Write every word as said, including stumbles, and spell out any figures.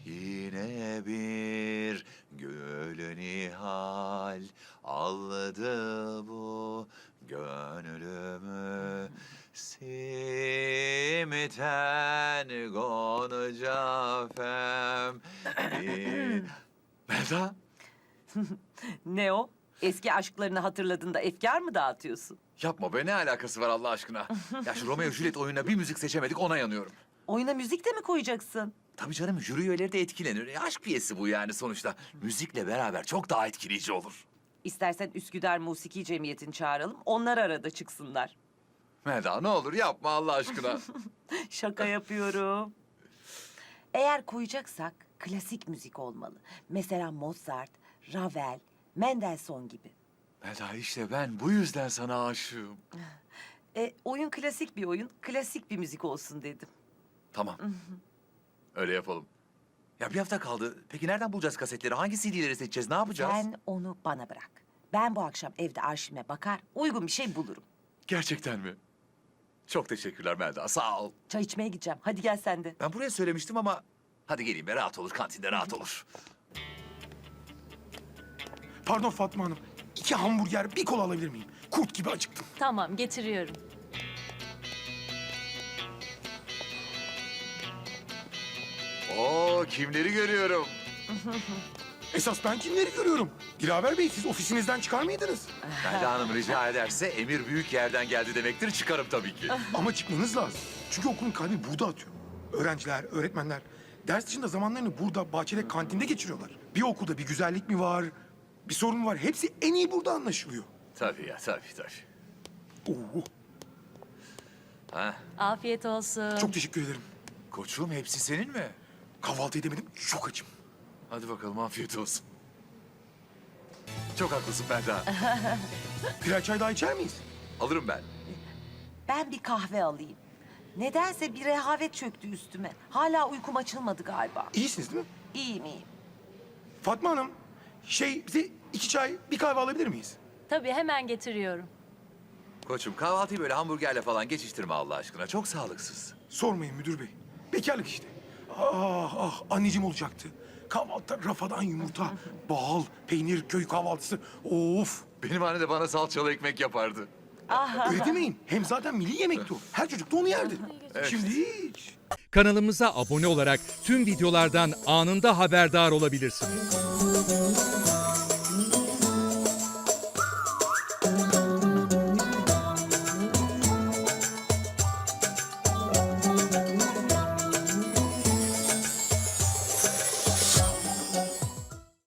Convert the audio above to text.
Yine bir gülü nihal aldı bu gönlümü. Simiten gonca fem. bir- Melda, Ne o? Eski aşklarını hatırladığında efkar mı dağıtıyorsun? yapma be, ne alakası var Allah aşkına? Ya şu Romeo Juliet oyununa bir müzik seçemedik, ona yanıyorum. Oyuna müzik de mi koyacaksın? Tabii canım, jüri üyeleri de etkilenir. E, aşk piyesi bu yani sonuçta. Müzikle beraber çok daha etkileyici olur. İstersen Üsküdar Musiki Cemiyeti'ni çağıralım. Onlar arada çıksınlar. Melda, ne olur yapma Allah aşkına. Şaka yapıyorum. Eğer koyacaksak klasik müzik olmalı. Mesela Mozart, Ravel, Mendelssohn gibi. Melda, işte ben bu yüzden sana aşığım. E, oyun klasik bir oyun, klasik bir müzik olsun dedim. Tamam. Öyle yapalım. Ya bir hafta kaldı. Peki nereden bulacağız kasetleri? Hangi C D'leri seçeceğiz? Ne yapacağız? Sen onu bana bırak. Ben bu akşam evde arşivime bakar, uygun bir şey bulurum. Gerçekten mi? Çok teşekkürler Melda. Sağ ol. Çay içmeye gideceğim. Hadi gel sen de. Ben buraya söylemiştim ama... Hadi geleyim be, rahat olur. Kantinde rahat olur. Pardon Fatma Hanım. İki hamburger, bir kola alabilir miyim? Kurt gibi acıktım. Tamam, getiriyorum. Oo, kimleri görüyorum? Esas ben kimleri görüyorum? Dilaver Bey, siz ofisinizden çıkar mıydınız? Melda Hanım rica ederse emir büyük yerden geldi demektir. Çıkarım tabii ki. Ama çıkmanız lazım. Çünkü okulun kalbi burada atıyor. Öğrenciler, öğretmenler ders dışında zamanlarını burada, bahçede, kantinde geçiriyorlar. Bir okulda bir güzellik mi var, bir sorun mu var? Hepsi en iyi burada anlaşılıyor. Tabii ya, tabii tabii. Oo, Ha, Afiyet olsun. çok teşekkür ederim. koçum hepsi senin mi? Kahvaltı edemedim, çok açım. Hadi bakalım, afiyet olsun. Çok haklısın Melda. Birer çay daha içer miyiz? Alırım ben. Ben bir kahve alayım. Nedense bir rehavet çöktü üstüme. Hala uykum açılmadı galiba. İyisiniz değil mi? İyiyim iyiyim. Fatma Hanım, şey bize iki çay, bir kahve alabilir miyiz? Tabii, hemen getiriyorum. Koçum, kahvaltıyı böyle hamburgerle falan geçiştirme Allah aşkına. Çok sağlıksız. Sormayın müdür bey. Bekarlık işte. Ah ah anneciğim olacaktı. Kahvaltıda rafadan yumurta, bal, peynir, köy kahvaltısı. Of! Benim anne de bana salçalı ekmek yapardı. Öyle demeyin. Hem zaten milli yemekti o. Her çocuk da onu yerdi. Şimdi hiç. Kanalımıza abone olarak tüm videolardan anında haberdar olabilirsiniz.